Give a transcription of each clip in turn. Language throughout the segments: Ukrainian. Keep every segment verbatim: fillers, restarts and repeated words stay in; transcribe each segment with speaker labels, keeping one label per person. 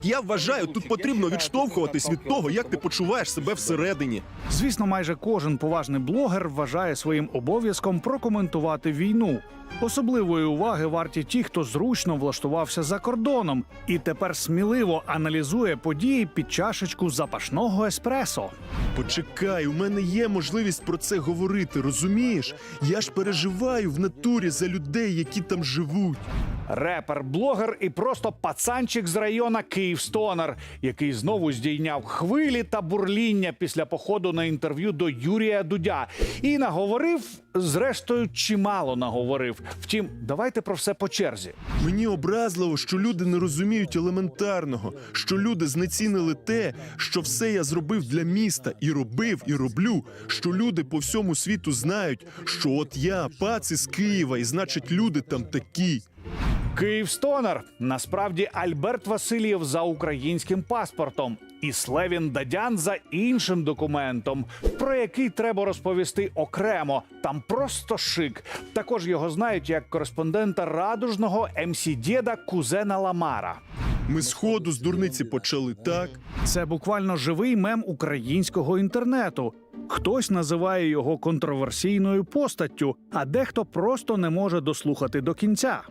Speaker 1: Я вважаю, тут потрібно відштовхуватись від того, як ти почуваєш себе всередині.
Speaker 2: Звісно, майже кожен поважний блогер вважає своїм обов'язком прокоментувати війну. Особливої уваги варті ті, хто зручно влаштувався за кордоном і тепер сміливо аналізує події під чашечку запашного еспресо.
Speaker 1: Почекай, у мене є можливість про це говорити, розумієш? Я ж переживаю в натурі за людей, які там живуть.
Speaker 2: Репер, блогер і просто пацанчик з района Київстонер, який знову здійняв хвилі та бурління після походу на інтерв'ю до Юрія Дудя. І наговорив, зрештою, чимало наговорив. Втім, давайте про все по черзі.
Speaker 1: Мені образливо, що люди не розуміють елементарного, що люди знецінили те, що все я зробив для міста, і робив, і роблю, що люди по всьому світу знають, що от я, пац із Києва, і значить люди там такі.
Speaker 2: Київстонер – насправді Альберт Васильєв за українським паспортом і Слевін Дадян за іншим документом, про який треба розповісти окремо. Там просто шик. Також його знають як кореспондента радужного ем сі Дєда кузена Ламара.
Speaker 1: Ми сходу з дурниці почали, так?
Speaker 2: Це буквально живий мем українського інтернету. Хтось називає його контроверсійною постаттю, а дехто просто не може дослухати до кінця.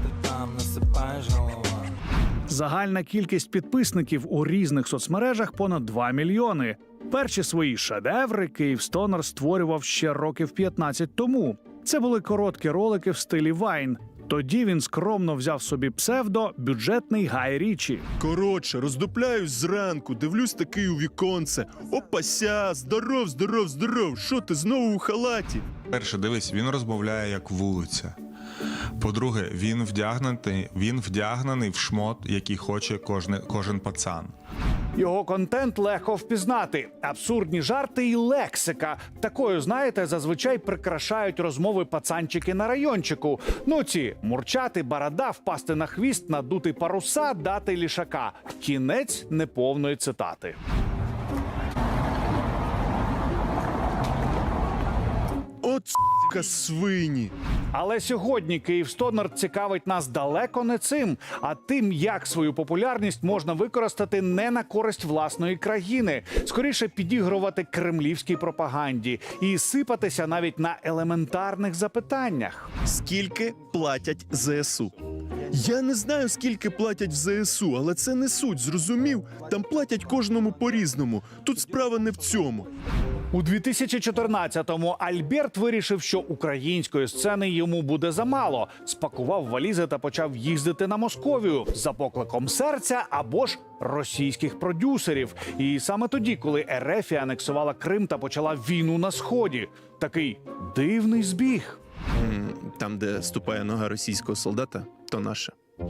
Speaker 2: Загальна кількість підписників у різних соцмережах понад два мільйони. Перші свої шедеври Київстонер створював ще років п'ятнадцять тому. Це були короткі ролики в стилі Вайн. Тоді він скромно взяв собі псевдо «Бюджетний Гай Річі».
Speaker 1: Коротше, роздупляюсь зранку, дивлюсь такий у віконце. Опася, здоров, здоров, здоров, що ти знову у халаті?
Speaker 3: Перше, дивись, він розмовляє як вулиця. По-друге, він вдягнений, він вдягнений в шмот, який хоче кожен, кожен пацан.
Speaker 2: Його контент легко впізнати. Абсурдні жарти і лексика. Такою, знаєте, зазвичай прикрашають розмови пацанчики на райончику. Ну ці – мурчати, барада, впасти на хвіст, надути паруса, дати лішака. Кінець неповної цитати.
Speaker 1: От с**ка свині.
Speaker 2: Але сьогодні Київстонер цікавить нас далеко не цим, а тим, як свою популярність можна використати не на користь власної країни, скоріше підігрувати кремлівській пропаганді і сипатися навіть на елементарних запитаннях.
Speaker 1: Скільки платять зе ес у? Я не знаю, скільки платять в зе ес у, але це не суть, зрозумів? Там платять кожному по-різному. Тут справа не в цьому.
Speaker 2: У дві тисячі чотирнадцятому Альберт вирішив, що української сцени йому буде замало. Спакував валізи та почав їздити на Московію за покликом серця або ж російських продюсерів. І саме тоді, коли Ерефія анексувала Крим та почала війну на Сході. Такий дивний збіг.
Speaker 1: Там, де ступає нога російського солдата, то наше.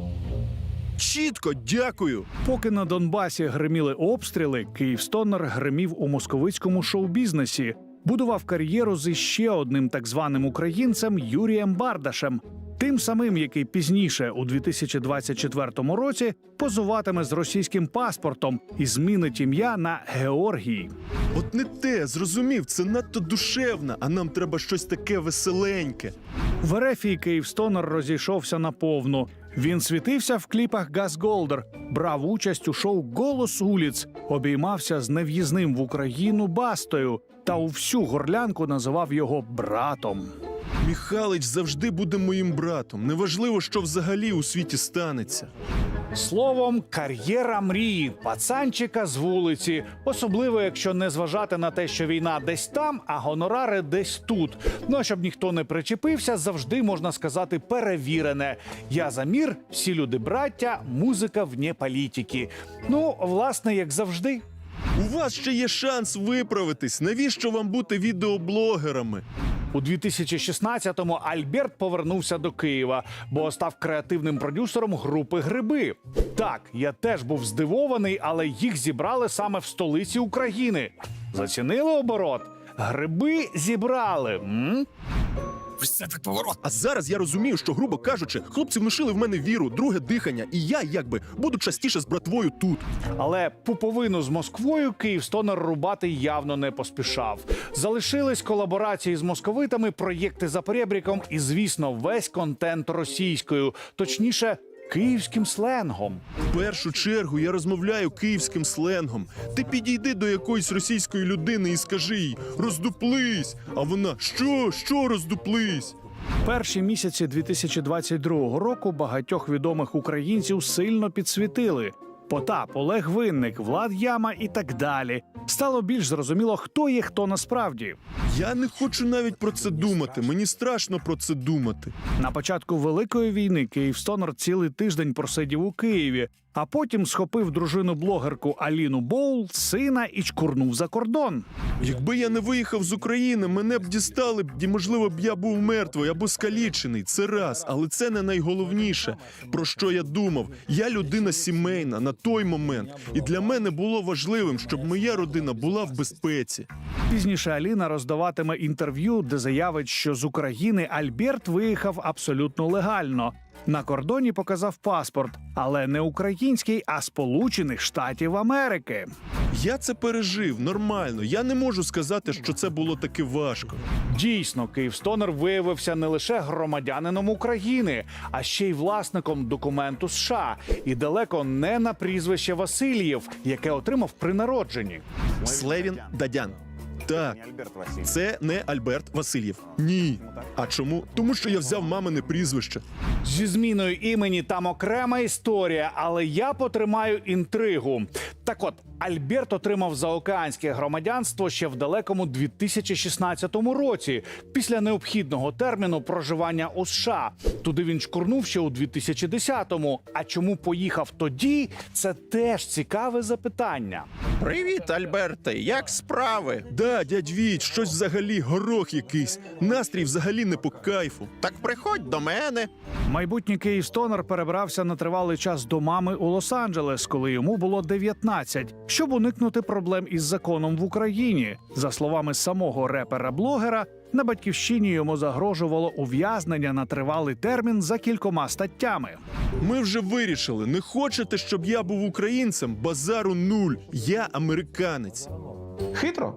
Speaker 1: Чітко, дякую!
Speaker 2: Поки на Донбасі гриміли обстріли, Київстонер гримів у московицькому шоу-бізнесі. Будував кар'єру з іще одним так званим українцем Юрієм Бардашем. Тим самим, який пізніше, у дві тисячі двадцять четвертому році, позуватиме з російським паспортом і змінить ім'я на Георгій.
Speaker 1: От не те, зрозумів, це надто душевно, а нам треба щось таке веселеньке.
Speaker 2: В Ерефії Київстонер розійшовся наповну. Він світився в кліпах Газголдер, брав участь у шоу «Голос улиць», обіймався з нев'їзним в Україну Бастою та у всю горлянку називав його братом.
Speaker 1: Міхалич завжди буде моїм братом. Неважливо, що взагалі у світі станеться.
Speaker 2: Словом, кар'єра мрії, пацанчика з вулиці. Особливо, якщо не зважати на те, що війна десь там, а гонорари десь тут. Ну, а щоб ніхто не причепився, завжди можна сказати перевірене. Я за мір, всі люди браття, музика вне політики. Ну, власне, як завжди.
Speaker 1: У вас ще є шанс виправитись. Навіщо вам бути відеоблогерами?
Speaker 2: У дві тисячі шістнадцятому Альберт повернувся до Києва, бо став креативним продюсером групи «Гриби». Так, я теж був здивований, але їх зібрали саме в столиці України. Зацінили оборот? Гриби зібрали. М?
Speaker 1: Ось це так поворот. А зараз я розумію, що, грубо кажучи, хлопці внушили в мене віру, друге дихання, і я, якби, буду частіше з братвою тут.
Speaker 2: Але пуповину з Москвою Київстонер рубати явно не поспішав. Залишились колаборації з московитами, проєкти за перебріком і, звісно, весь контент російською. Точніше, київським сленгом.
Speaker 1: В першу чергу я розмовляю київським сленгом. Ти підійди до якоїсь російської людини і скажи їй «роздуплись», а вона «що? Що роздуплись?»
Speaker 2: Перші місяці дві тисячі двадцять другого року багатьох відомих українців сильно підсвітили. Потап, Олег Винник, Влад Яма і так далі. Стало більш зрозуміло, хто є хто насправді.
Speaker 1: Я не хочу навіть про це думати. Мені страшно про це думати.
Speaker 2: На початку Великої війни Київстонер цілий тиждень просидів у Києві, а потім схопив дружину-блогерку Аліну Боул, сина і чкурнув за кордон.
Speaker 1: Якби я не виїхав з України, мене б дістали б, і, можливо, б я був мертвий або скалічений. Це раз, але це не найголовніше, про що я думав. Я людина сімейна на той момент, і для мене було важливим, щоб моя родина була в безпеці.
Speaker 2: Пізніше Аліна роздаватиме інтерв'ю, де заявить, що з України Альберт виїхав абсолютно легально. На кордоні показав паспорт, але не український, а Сполучених Штатів Америки.
Speaker 1: Я це пережив нормально. Я не можу сказати, що це було таки важко.
Speaker 2: Дійсно, Київстонер виявився не лише громадянином України, а ще й власником документу США. І далеко не на прізвище Васильєв, яке отримав при народженні.
Speaker 1: Слевін Дадян. Так, це не Альберт Васильєв. Ні. А чому? Тому що я взяв мамине прізвище.
Speaker 2: Зі зміною імені там окрема історія, але я потримаю інтригу. Так от, Альберт отримав заокеанське громадянство ще в далекому дві тисячі шістнадцятому році, після необхідного терміну проживання у США. Туди він чкурнув ще у дві тисячі десятому. А чому поїхав тоді – це теж цікаве запитання.
Speaker 4: Привіт, Альберте, як справи?
Speaker 1: Да, дядь Віть, щось взагалі горох якийсь. Настрій взагалі не по кайфу.
Speaker 4: Так приходь до мене.
Speaker 2: Майбутній Київстонер перебрався на тривалий час до мами у Лос-Анджелес, коли йому було дев'ятнадцять, щоб уникнути проблем із законом в Україні. За словами самого репера-блогера, на батьківщині йому загрожувало ув'язнення на тривалий термін за кількома статтями.
Speaker 1: Ми вже вирішили, не хочете, щоб я був українцем? Базару нуль. Я американець.
Speaker 5: Хитро.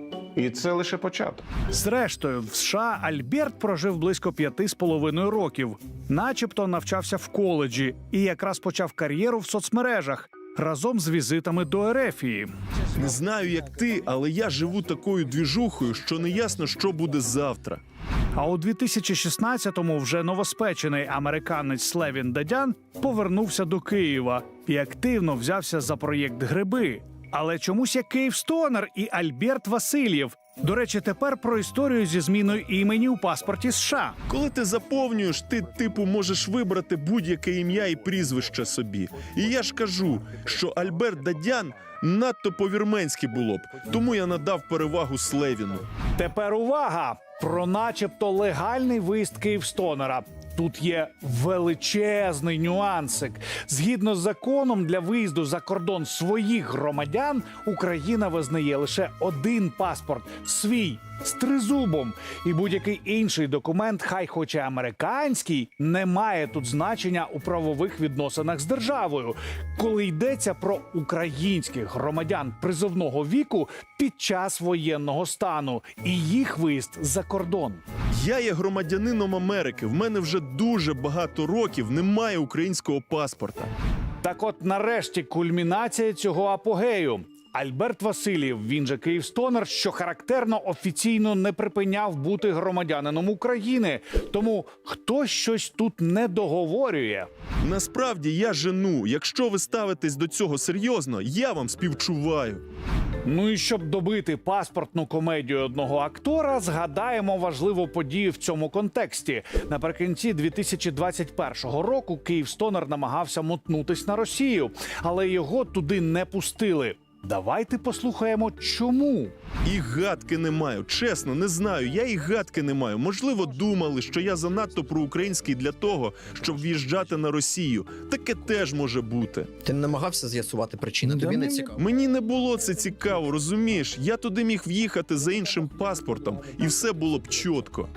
Speaker 5: І це лише початок.
Speaker 2: Зрештою, в США Альберт прожив близько п'яти з половиною років. Начебто навчався в коледжі і якраз почав кар'єру в соцмережах разом з візитами до Ерефії.
Speaker 1: Не знаю, як ти, але я живу такою двіжухою, що не ясно, що буде завтра.
Speaker 2: А у дві тисячі шістнадцятому вже новоспечений американець Слевін Дадян повернувся до Києва і активно взявся за проєкт «Гриби». Але чомусь як Київстонер і Альберт Васильєв. До речі, тепер про історію зі зміною імені у паспорті США.
Speaker 1: Коли ти заповнюєш, ти, типу, можеш вибрати будь-яке ім'я і прізвище собі. І я ж кажу, що Альберт Дадян надто по-вірменськи було б, тому я надав перевагу Слевіну.
Speaker 2: Тепер увага! Про начебто легальний виїзд Київстонера. Тут є величезний нюансик. Згідно з законом, для виїзду за кордон своїх громадян Україна визнає лише один паспорт – свій, з тризубом. І будь-який інший документ, хай хоч і американський, не має тут значення у правових відносинах з державою, коли йдеться про українських громадян призовного віку під час воєнного стану і їх виїзд за кордон.
Speaker 1: Я є громадянином Америки, в мене вже дуже багато років немає українського паспорта.
Speaker 2: Так от нарешті кульмінація цього апогею. Альберт Васильєв, він же Київстонер, що характерно, офіційно не припиняв бути громадянином України. Тому хтось щось тут не договорює.
Speaker 1: Насправді я жену. Якщо ви ставитесь до цього серйозно, я вам співчуваю.
Speaker 2: Ну і щоб добити паспортну комедію одного актора, згадаємо важливу подію в цьому контексті. Наприкінці дві тисячі двадцять першого року Київстонер намагався мотнутись на Росію, але його туди не пустили. Давайте послухаємо, чому.
Speaker 1: І гадки не маю. Чесно, не знаю. Я і гадки не маю. Можливо, думали, що я занадто проукраїнський для того, щоб в'їжджати на Росію. Таке теж може бути.
Speaker 6: Ти не намагався з'ясувати причини? Тобі не цікаво?
Speaker 1: Мені не було це цікаво, розумієш? Я туди міг в'їхати за іншим паспортом, і все було б чітко.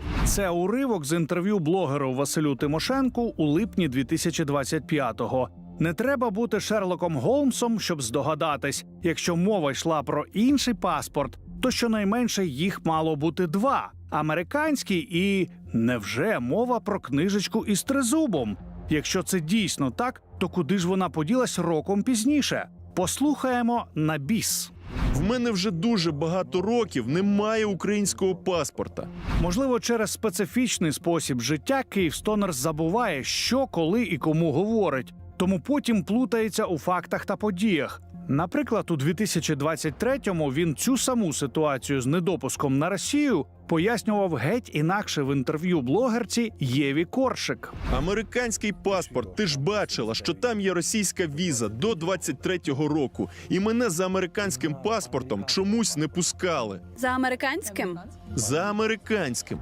Speaker 2: Це уривок з інтерв'ю блогеру Василю Тимошенку у липні дві тисячі двадцять п'ятого. Не треба бути Шерлоком Голмсом, щоб здогадатись, якщо мова йшла про інший паспорт, то щонайменше їх мало бути два – американський і, невже, мова про книжечку із тризубом? Якщо це дійсно так, то куди ж вона поділась роком пізніше? Послухаємо на біс.
Speaker 1: В мене вже дуже багато років немає українського паспорта.
Speaker 2: Можливо, через специфічний спосіб життя Київстонер забуває, що, коли і кому говорить, тому потім плутається у фактах та подіях. Наприклад, у дві тисячі двадцять третьому він цю саму ситуацію з недопуском на Росію пояснював геть інакше в інтерв'ю блогерці Єві Коршик.
Speaker 1: Американський паспорт, ти ж бачила, що там є російська віза до двадцять третього року. І мене за американським паспортом чомусь не пускали.
Speaker 7: За американським?
Speaker 1: За американським.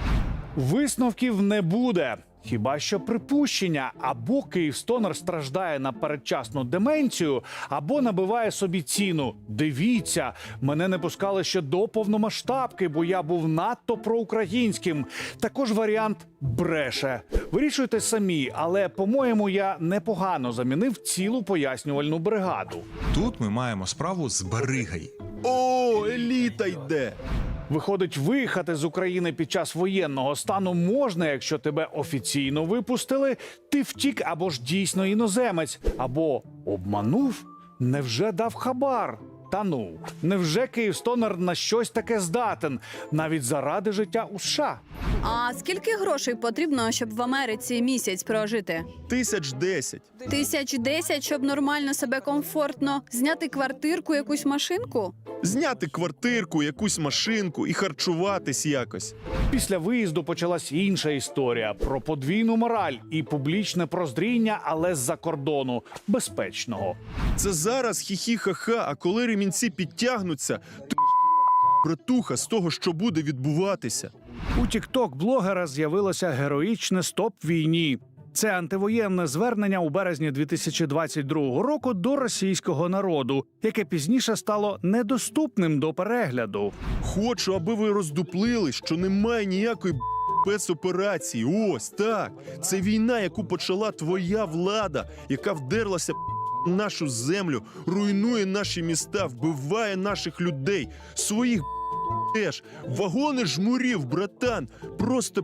Speaker 2: Висновків не буде. Хіба що припущення, або Київстонер страждає на передчасну деменцію, або набиває собі ціну. Дивіться, мене не пускали ще до повномасштабки, бо я був надто проукраїнським. Також варіант бреше. Вирішуйте самі, але, по-моєму, я непогано замінив цілу пояснювальну бригаду.
Speaker 3: Тут ми маємо справу з баригою.
Speaker 1: О, еліта йде!
Speaker 2: Виходить, виїхати з України під час воєнного стану можна, якщо тебе офіційно випустили, ти втік або ж дійсно іноземець, або обманув, невже дав хабар? Та ну, невже Київстонер на щось таке здатен, навіть заради життя у США?
Speaker 7: А скільки грошей потрібно, щоб в Америці місяць прожити?
Speaker 1: Тисяч десять.
Speaker 7: Тисяч десять, щоб нормально себе комфортно зняти квартирку, якусь машинку?
Speaker 1: Зняти квартирку, якусь машинку і харчуватись якось.
Speaker 2: Після виїзду почалась інша історія про подвійну мораль і публічне прозріння, але з-за кордону, безпечного.
Speaker 1: Це зараз хі-хі-ха-ха, а коли ремінці підтягнуться, то братуха з того, що буде відбуватися.
Speaker 2: У тікток-блогера з'явилося героїчне «Стоп війні». Це антивоєнне звернення у березні дві тисячі двадцять другого року до російського народу, яке пізніше стало недоступним до перегляду.
Speaker 1: Хочу, аби ви роздуплили, що немає ніякої спецоперації. Ось так. Це війна, яку почала твоя влада, яка вдерлася в нашу землю, руйнує наші міста, вбиває наших людей, своїх теж. Вагони жмурів, братан, просто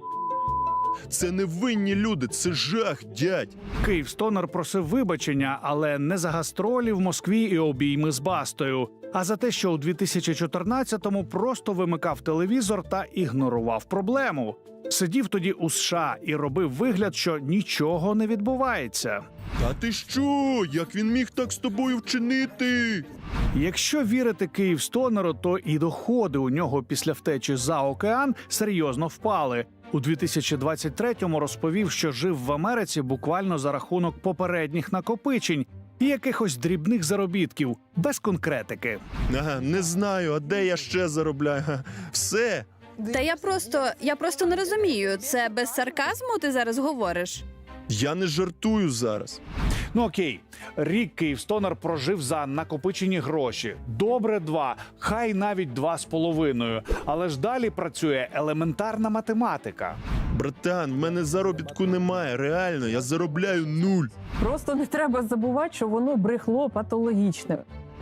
Speaker 1: це невинні люди, це жах, дядь.
Speaker 2: Київстонер просив вибачення, але не за гастролі в Москві і обійми з Бастою, а за те, що у дві тисячі чотирнадцятому просто вимикав телевізор та ігнорував проблему. Сидів тоді у США і робив вигляд, що нічого не відбувається.
Speaker 1: Та ти що? Як він міг так з тобою вчинити?
Speaker 2: Якщо вірити Київстонеру, то і доходи у нього після втечі за океан серйозно впали. У дві тисячі двадцять третьому розповів, що жив в Америці буквально за рахунок попередніх накопичень і якихось дрібних заробітків, без конкретики.
Speaker 1: Ага, не знаю, а де я ще заробляю? Га, все.
Speaker 7: Та я просто, я просто не розумію, це без сарказму ти зараз говориш?
Speaker 1: Я не жартую зараз.
Speaker 2: Ну окей, рік Київстонер прожив за накопичені гроші. Добре два, хай навіть два з половиною. Але ж далі працює елементарна математика.
Speaker 1: Братан, в мене заробітку немає, реально, я заробляю нуль.
Speaker 8: Просто не треба забувати, що воно брехло патологічне.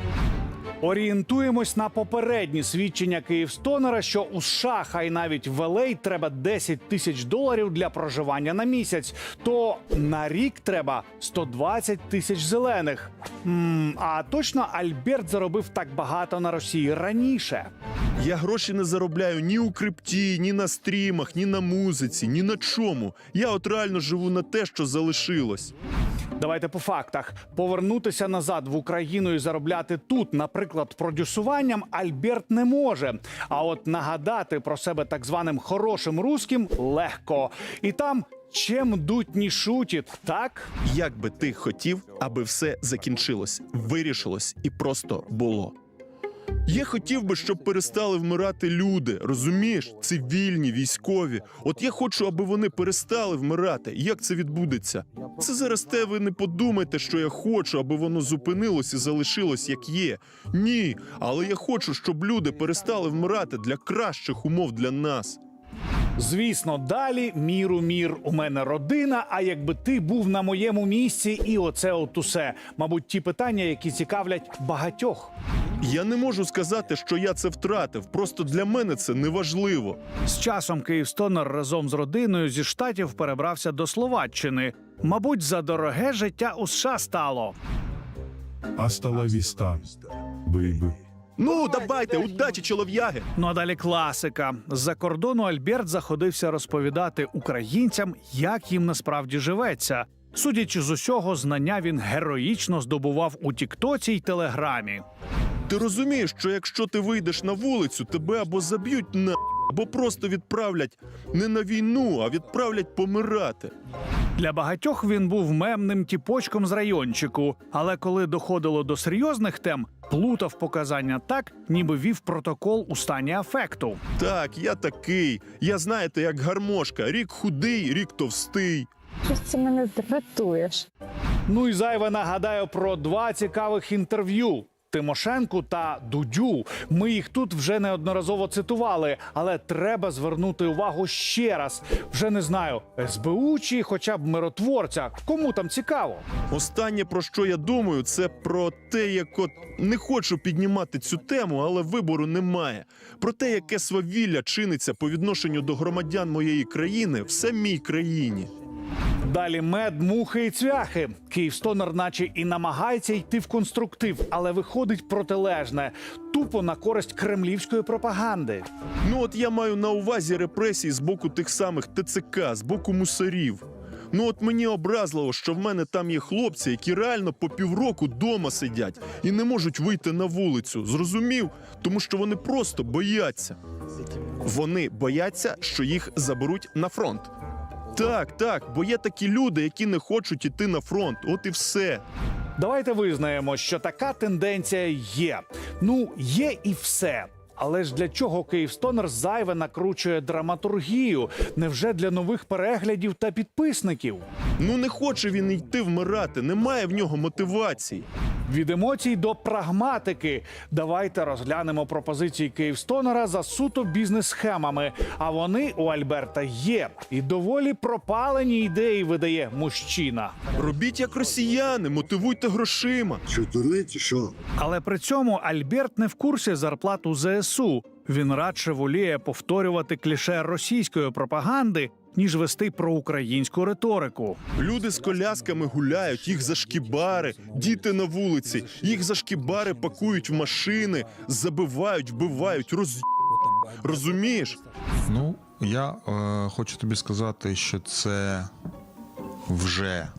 Speaker 2: Орієнтуємось на попередні свідчення Київстонера, що у США, хай навіть в Ел Ей, треба десять тисяч доларів для проживання на місяць, то на рік треба сто двадцять тисяч зелених. М, а точно Альберт заробив так багато на Росії раніше?
Speaker 1: Я гроші не заробляю ні у крипті, ні на стрімах, ні на музиці, ні на чому. Я от реально живу на те, що залишилось.
Speaker 2: Давайте по фактах. Повернутися назад в Україну і заробляти тут, наприклад, продюсуванням, Альберт не може. А от нагадати про себе так званим хорошим русським легко. І там чим дуть не шутить, так?
Speaker 1: Як би ти хотів, аби все закінчилось, вирішилось і просто було? Я хотів би, щоб перестали вмирати люди, розумієш? Цивільні, військові. От я хочу, аби вони перестали вмирати. Як це відбудеться? Це зараз те ви не подумайте, що я хочу, аби воно зупинилось і залишилось як є. Ні, але я хочу, щоб люди перестали вмирати для кращих умов для нас.
Speaker 2: Звісно, далі міру мір, у мене родина, а якби ти був на моєму місці, і оце от усе. Мабуть, ті питання, які цікавлять багатьох.
Speaker 1: Я не можу сказати, що я це втратив. Просто для мене це неважливо.
Speaker 2: З часом Київстонер разом з родиною зі Штатів перебрався до Словаччини. Мабуть, за дороге життя у США стало.
Speaker 9: Hasta la vista, baby.
Speaker 1: Ну, давайте, удачі, чолов'яги!
Speaker 2: Ну а далі класика. З-за кордону Альберт заходився розповідати українцям, як їм насправді живеться. Судячи з усього, знання він героїчно здобував у Тіктоці й Телеграмі.
Speaker 1: Ти розумієш, що якщо ти вийдеш на вулицю, тебе або заб'ють на, або просто відправлять не на війну, а відправлять помирати.
Speaker 2: Для багатьох він був мемним тіпочком з райончику, але коли доходило до серйозних тем, плутав показання так, ніби вів протокол у стані афекту.
Speaker 1: Так, я такий. Я, знаєте, як гармошка. Рік худий, рік товстий.
Speaker 8: Щось це мене дратуєш.
Speaker 2: Ну і зайве нагадаю про два цікавих інтерв'ю. Тимошенку та Дудю. Ми їх тут вже неодноразово цитували, але треба звернути увагу ще раз. Вже не знаю, ес бе у чи хоча б миротворця. Кому там цікаво?
Speaker 1: Останнє, про що я думаю, це про те, як от не хочу піднімати цю тему, але вибору немає. Про те, яке свавілля чиниться по відношенню до громадян моєї країни в самій країні.
Speaker 2: Далі мед, мухи і цвяхи. Київстонер наче і намагається йти в конструктив, але виходить протилежне. Тупо на користь кремлівської пропаганди.
Speaker 1: Ну от я маю на увазі репресії з боку тих самих те це ка, з боку мусорів. Ну от мені образливо, що в мене там є хлопці, які реально по півроку дома сидять і не можуть вийти на вулицю. Зрозумів? Тому що вони просто бояться. Вони бояться, що їх заберуть на фронт. Так, так, бо є такі люди, які не хочуть іти на фронт. От і все.
Speaker 2: Давайте визнаємо, що така тенденція є. Ну, є і все. Але ж для чого Київстонер зайве накручує драматургію? Невже для нових переглядів та підписників?
Speaker 1: Ну не хоче він йти вмирати, немає в нього мотивації.
Speaker 2: Від емоцій до прагматики. Давайте розглянемо пропозиції Київстонера за суто бізнес-схемами. А вони у Альберта є. І доволі пропалені ідеї видає мужчина.
Speaker 1: Робіть як росіяни, мотивуйте грошима.
Speaker 9: Що, дурний чи що?
Speaker 2: Але при цьому Альберт не в курсі зарплат у зе ес у. Він радше воліє повторювати кліше російської пропаганди, ніж вести проукраїнську риторику.
Speaker 1: Люди з колясками гуляють, їх за шкібари, діти на вулиці, їх за шкібари пакують в машини, забивають, вбивають, роз... Розумієш?
Speaker 3: Ну, я е, хочу тобі сказати, що це вже е,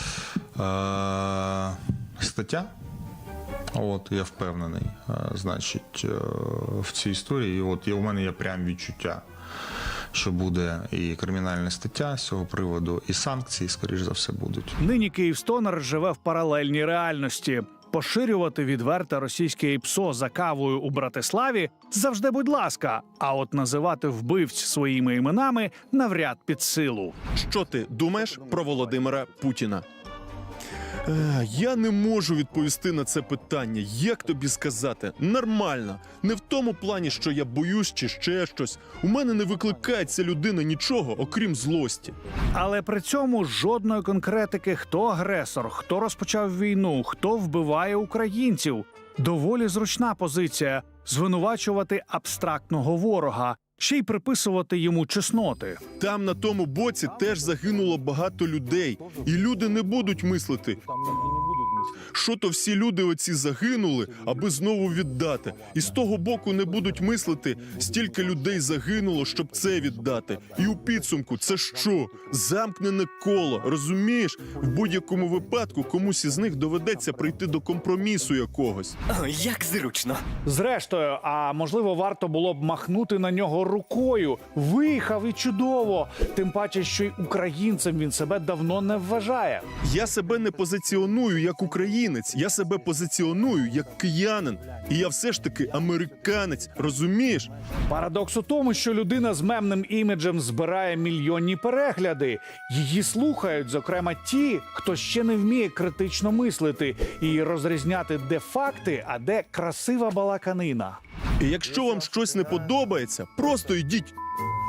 Speaker 3: стаття. От, я впевнений, е, значить, е, в цій історії. От є, у мене є прям відчуття, що буде і кримінальна стаття з цього приводу, і санкції, скоріш за все, будуть.
Speaker 2: Нині Київстонер живе в паралельній реальності. Поширювати відверте російське ІПСО за кавою у Братиславі завжди будь ласка, а от називати вбивць своїми іменами навряд під силу.
Speaker 1: Що ти думаєш про Володимира Путіна? Е, Я не можу відповісти на це питання. Як тобі сказати? Нормально. Не в тому плані, що я боюсь чи ще щось. У мене не викликає ця людина нічого, окрім злості.
Speaker 2: Але при цьому жодної конкретики, хто агресор, хто розпочав війну, хто вбиває українців. Доволі зручна позиція – звинувачувати абстрактного ворога, ще й приписувати йому чесноти.
Speaker 1: Там на тому боці теж загинуло багато людей. І люди не будуть мислити, що то всі люди оці загинули, аби знову віддати. І з того боку не будуть мислити, стільки людей загинуло, щоб це віддати. І у підсумку це що? Замкнене коло, розумієш? В будь-якому випадку комусь із них доведеться прийти до компромісу якогось.
Speaker 10: Ой, як зручно.
Speaker 2: Зрештою, а можливо, варто було б махнути на нього рукою. Виїхав і чудово. Тим паче, що й українцем він себе давно не вважає.
Speaker 1: Я себе не позиціоную як українець, я себе позиціоную як киянин. І я все ж таки американець, розумієш?
Speaker 2: Парадокс у тому, що людина з мемним іміджем збирає мільйонні перегляди. Її слухають, зокрема, ті, хто ще не вміє критично мислити і розрізняти, де факти, а де красива балаканина.
Speaker 1: І якщо вам щось не подобається, просто йдіть.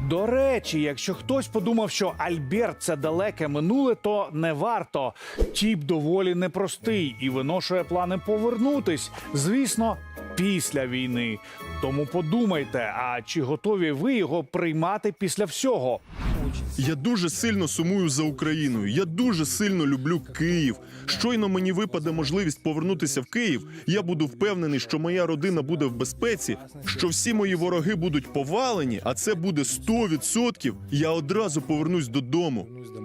Speaker 2: До речі, якщо хтось подумав, що Альберт – це далеке минуле, то не варто. Тіп доволі непростий і виношує плани повернутись. Звісно, після війни. Тому подумайте, а чи готові ви його приймати після всього?
Speaker 1: Я дуже сильно сумую за Україною. Я дуже сильно люблю Київ. Щойно мені випаде можливість повернутися в Київ, я буду впевнений, що моя родина буде в безпеці, що всі мої вороги будуть повалені, а це буде сто відсотків. Я одразу повернусь додому.